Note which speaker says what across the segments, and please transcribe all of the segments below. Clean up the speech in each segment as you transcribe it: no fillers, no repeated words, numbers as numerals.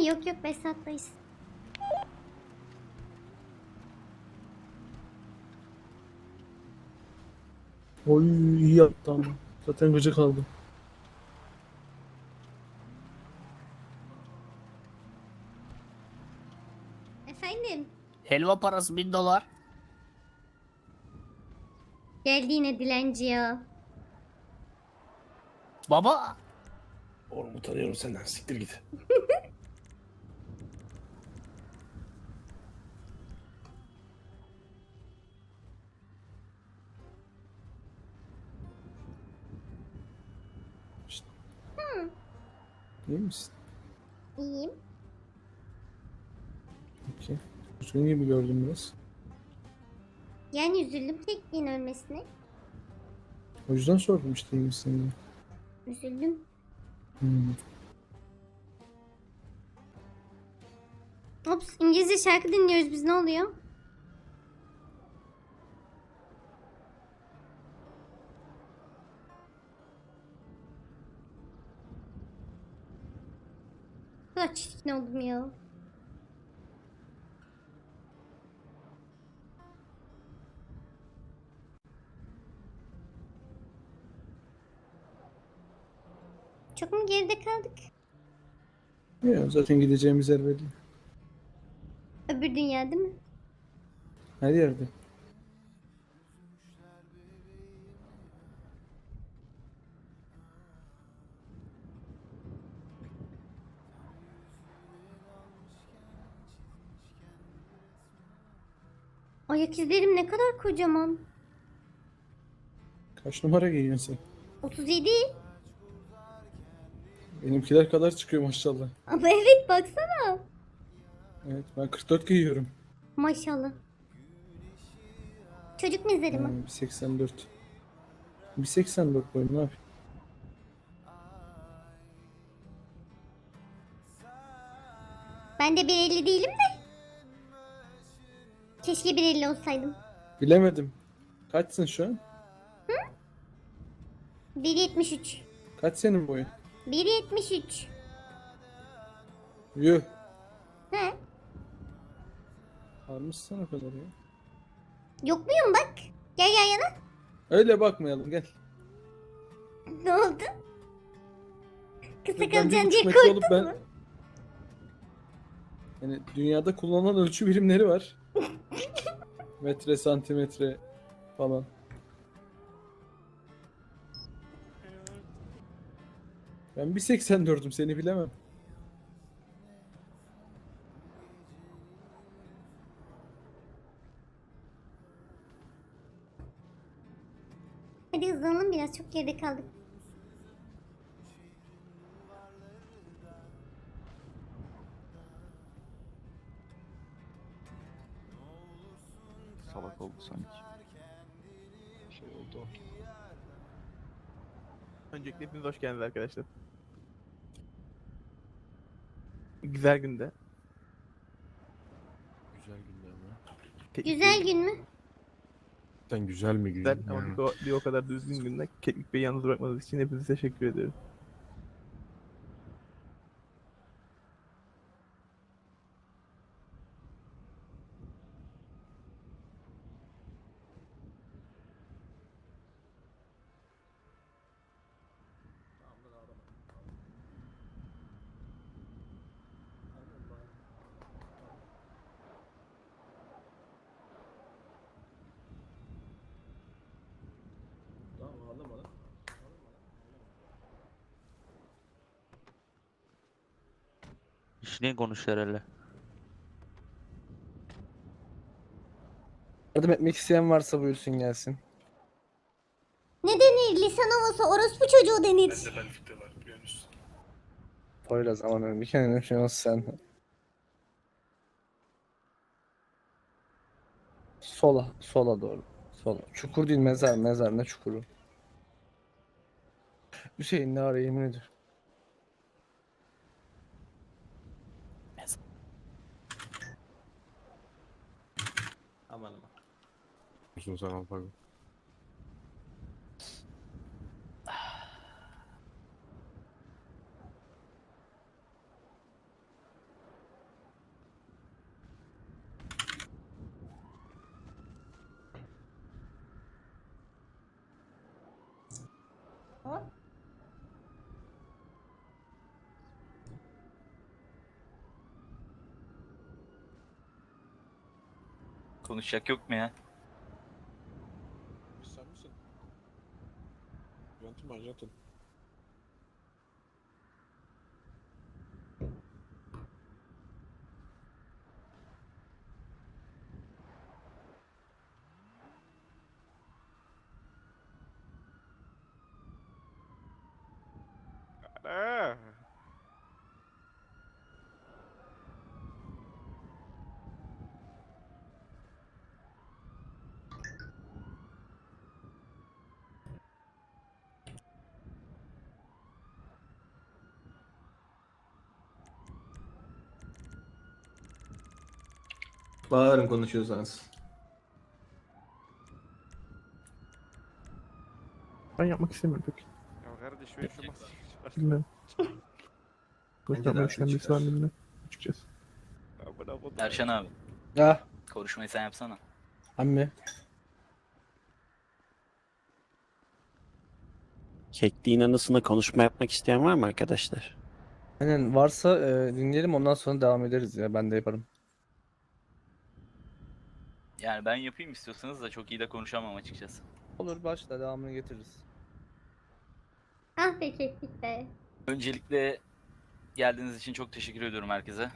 Speaker 1: Yok yok, Besat'tayız.
Speaker 2: Oy iyi yaptı ama. Zaten gıcık aldım.
Speaker 1: Efendim?
Speaker 3: Helva parası $1000.
Speaker 1: Geldi yine dilenci ya.
Speaker 3: Baba.
Speaker 2: Oğlum utanıyorum senden. Siktir git. İşte. İyi misin?
Speaker 1: İyiyim.
Speaker 2: Okey. Üzgün gibi gördüm biraz.
Speaker 1: Yani üzüldüm tekliğin ölmesine.
Speaker 2: O yüzden sordum işte iyi misin diye.
Speaker 1: Üzüldüm.
Speaker 2: Hmm.
Speaker 1: Ops, İngilizce şarkı dinliyoruz biz, ne oluyor? Bu kadar çirkin oldum ya. Çok mu geride kaldık?
Speaker 2: Ya, zaten gideceğimiz yer belli.
Speaker 1: Öbür dünya değil mi?
Speaker 2: Her yerde.
Speaker 1: Ayak izlerim ne kadar kocaman.
Speaker 2: Kaç numara giyiyorsun sen?
Speaker 1: 37.
Speaker 2: Benimkiler kadar çıkıyor maşallah.
Speaker 1: Ama evet, baksana.
Speaker 2: Evet ben 44 giyiyorum.
Speaker 1: Maşallah. Çocuk mezarı mı?
Speaker 2: 1.84. 1.84 boyum ne yapayım?
Speaker 1: Ben de 1.50 değilim de. Keşke 1.50 olsaydım.
Speaker 2: Bilemedim. Kaçsın şu an?
Speaker 1: 1.73.
Speaker 2: Kaç senin boyun?
Speaker 1: 1.73.
Speaker 2: Yuh.
Speaker 1: He?
Speaker 2: Varmışsın o kadar ya.
Speaker 1: Yok muyum bak? Gel yan yana.
Speaker 2: Öyle bakmayalım gel.
Speaker 1: Ne oldu? Kısa
Speaker 2: Ben
Speaker 1: kalacaksın
Speaker 2: 1.5
Speaker 1: diye
Speaker 2: metre olup
Speaker 1: korktun mu?
Speaker 2: Yani dünyada kullanılan ölçü birimleri var. Metre, santimetre falan. Ben 1.84'üm seni bilemem.
Speaker 1: Hadi hızlanalım biraz, çok geride kaldık.
Speaker 4: Salak oldu sanki.
Speaker 2: Şey oldu.
Speaker 5: Öncelikle hepiniz hoş geldiniz arkadaşlar. Güzel günde.
Speaker 4: Güzel günler mi?
Speaker 5: Keklik
Speaker 1: Güzel
Speaker 5: Bey
Speaker 1: gün mü?
Speaker 4: Sen güzel mi
Speaker 5: güzel
Speaker 4: gün?
Speaker 5: ama bir o kadar düzgün günde Keklik Bey'i yalnız bırakmadığınız için hepinize teşekkür ediyorum.
Speaker 6: İşine konuş herhalde.
Speaker 7: Yardım etmek isteyen varsa buyursun gelsin.
Speaker 1: Ne denir? Lisan havası orospu çocuğu denir.
Speaker 7: Poyraz aman bir kendine şey olsun sen. Sola doğru. Sola. Çukur değil mezar, mezar ne çukuru. Hüseyin ne ara yemin ediyorum.
Speaker 5: Aman aman.
Speaker 4: Uzun zaman pardon.
Speaker 8: Konuşacak yok mu ya?
Speaker 4: Sen misin? Yönetim Arjantin.
Speaker 9: Bağırın konuşuyorsanız.
Speaker 5: Ben yapmak istemiyorum pek.
Speaker 4: Ya kardeş ben şu masayı
Speaker 5: Bilmiyorum.
Speaker 9: Bence de
Speaker 5: Konuşmamı
Speaker 9: haklı
Speaker 5: düşünen birisi var
Speaker 9: çıkar.
Speaker 5: mı bilmiyorum. Açıkçası.
Speaker 8: Erşen abi,
Speaker 7: Ah,
Speaker 8: konuşmayı sen yapsana.
Speaker 7: ammi.
Speaker 10: Kekliğin anısına konuşma yapmak isteyen var mı arkadaşlar?
Speaker 7: Aynen varsa dinleyelim ondan sonra devam ederiz ya. Ben de yaparım.
Speaker 8: Yani ben yapayım istiyorsanız da çok iyi de konuşamam açıkçası.
Speaker 7: Olur başla devamını getiririz.
Speaker 1: Ah be Keklik be.
Speaker 8: Öncelikle geldiğiniz için çok teşekkür ediyorum herkese.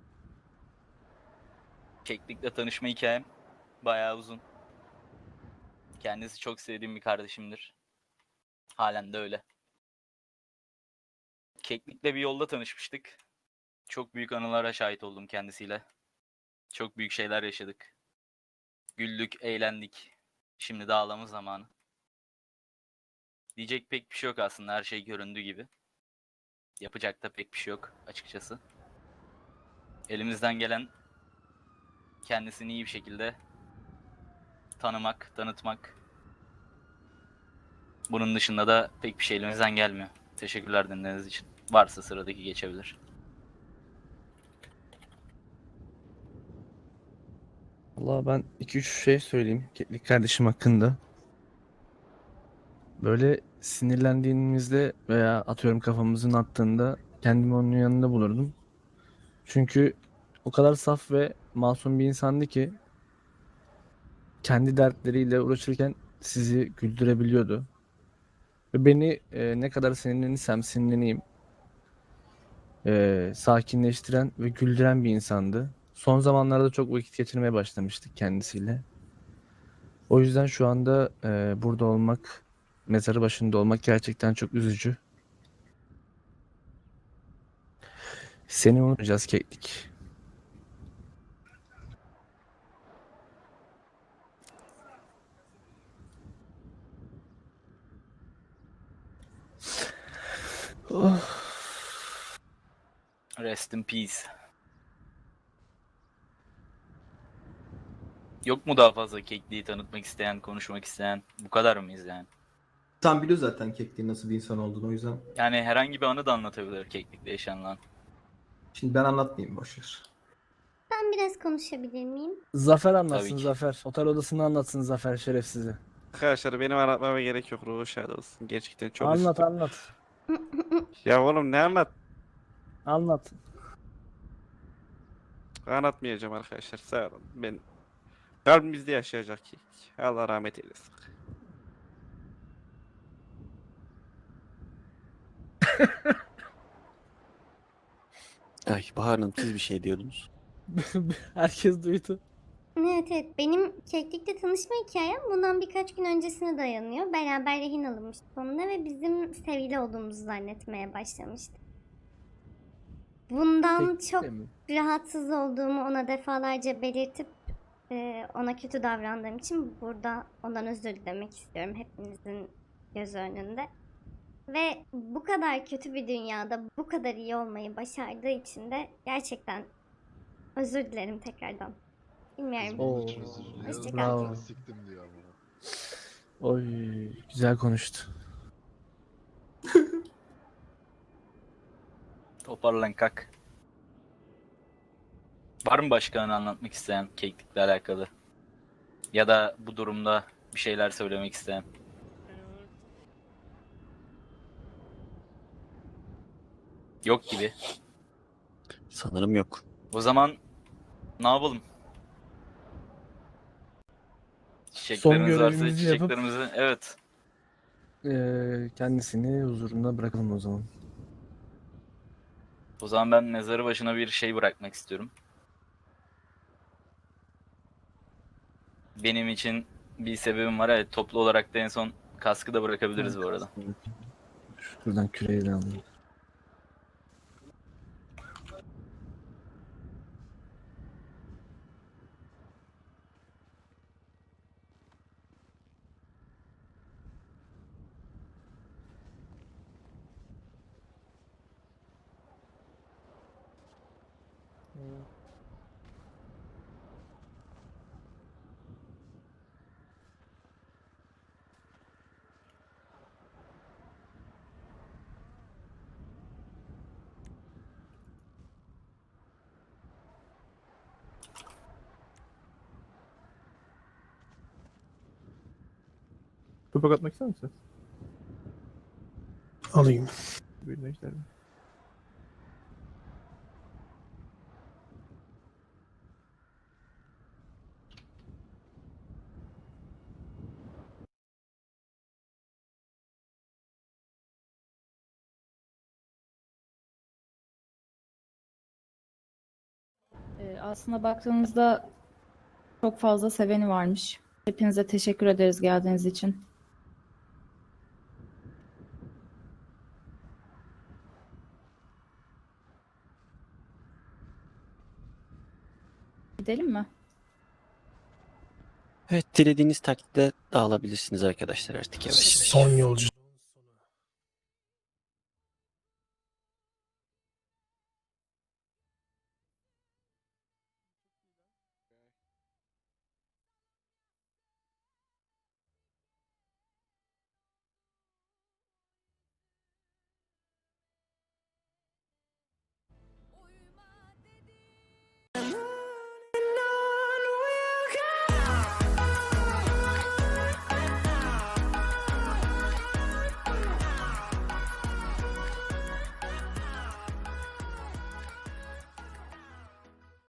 Speaker 8: Keklik'le tanışma hikayem bayağı uzun. Kendisi çok sevdiğim bir kardeşimdir. Halen de öyle. Keklik'le bir yolda tanışmıştık. Çok büyük anılara şahit oldum kendisiyle. Çok büyük şeyler yaşadık. Güldük, eğlendik. Şimdi de ağlama zamanı. Diyecek pek bir şey yok aslında, her şey göründüğü gibi. Yapacak da pek bir şey yok açıkçası. Elimizden gelen kendisini iyi bir şekilde tanımak, tanıtmak. Bunun dışında da pek bir şey elimizden gelmiyor. Teşekkürler dinlediğiniz için. Varsa sıradaki geçebilir.
Speaker 7: Valla ben 2-3 şey söyleyeyim Keklik kardeşim hakkında. Böyle sinirlendiğimizde veya atıyorum kafamızın attığında kendimi onun yanında bulurdum. Çünkü o kadar saf ve masum bir insandı ki kendi dertleriyle uğraşırken sizi güldürebiliyordu. Ve beni ne kadar sinirlenirsem sinirleneyim sakinleştiren ve güldüren bir insandı. Son zamanlarda çok vakit geçirmeye başlamıştık kendisiyle. O yüzden şu anda burada olmak, mezarı başında olmak gerçekten çok üzücü. Seni unutacağız Keklik. Oh.
Speaker 8: Rest in peace. Yok mu daha fazla Kekliği tanıtmak isteyen, konuşmak isteyen? Bu kadar mıyız yani?
Speaker 9: Sen biliyor zaten Kekliğin nasıl bir insan olduğunu, o yüzden.
Speaker 8: Yani herhangi bir anı da anlatabilir Keklik'le yaşanılan.
Speaker 9: Şimdi ben anlatmayayım, boşver.
Speaker 1: Ben biraz konuşabilir miyim?
Speaker 7: Zafer anlatsın
Speaker 8: Tabii ki.
Speaker 7: Zafer. Otel odasını anlatsın Zafer şerefsizi.
Speaker 4: Arkadaşlar benim anlatmama gerek yok. Ruhu şad olsun. Gerçekten çok
Speaker 7: Anlat
Speaker 4: üzüldüm.
Speaker 7: anlat.
Speaker 4: Ya oğlum ne anlat?
Speaker 7: Anlat.
Speaker 4: Anlatmayacağım arkadaşlar. Sağ olun. Ben kalbimizde yaşayacak ki. Allah rahmet eylesin.
Speaker 10: Ay Bahar Hanım siz bir şey diyordunuz.
Speaker 7: Herkes duydu.
Speaker 1: Evet evet, benim Keklik'le tanışma hikayem bundan birkaç gün öncesine dayanıyor. Beraber rehin alınmıştık onunla ve bizim sevgili olduğumuzu zannetmeye başlamıştı. Bundan
Speaker 7: Keklik
Speaker 1: çok
Speaker 7: de mi?
Speaker 1: rahatsız olduğumu ona defalarca belirtip ona kötü davrandığım için burada ondan özür dilemek istiyorum hepinizin göz önünde. Ve bu kadar kötü bir dünyada bu kadar iyi olmayı başardığı için de gerçekten özür dilerim tekrardan. Bilmiyorum.
Speaker 7: Oo,
Speaker 1: Hoşça kal.
Speaker 7: bravo. Oy, güzel konuştu.
Speaker 8: Toparlan kalk. Var mı başka anı anlatmak isteyen Keklik'le alakalı? Ya da bu durumda bir şeyler söylemek isteyen? Yok gibi.
Speaker 10: Sanırım yok.
Speaker 8: O zaman ne yapalım? Çiçekleriniz varsa
Speaker 7: görevimizi yapıp-
Speaker 8: çiçeklerimizi, evet.
Speaker 7: Kendisini huzurunda bırakalım o zaman.
Speaker 8: O zaman ben mezarı başına bir şey bırakmak istiyorum. Benim için bir sebebim var. Evet, toplu olarak da en son kaskı da bırakabiliriz bu arada.
Speaker 7: Şuradan küreği de alalım.
Speaker 5: Topak atmak ister misin?
Speaker 9: Alayım.
Speaker 5: Buyurun Ejder Bey.
Speaker 11: Aslında baktığınızda çok fazla seveni varmış. Hepinize teşekkür ederiz geldiğiniz için. Gidelim mi?
Speaker 10: Evet, dilediğiniz takdirde dağılabilirsiniz arkadaşlar artık yavaş yavaş.
Speaker 9: Son yolcu.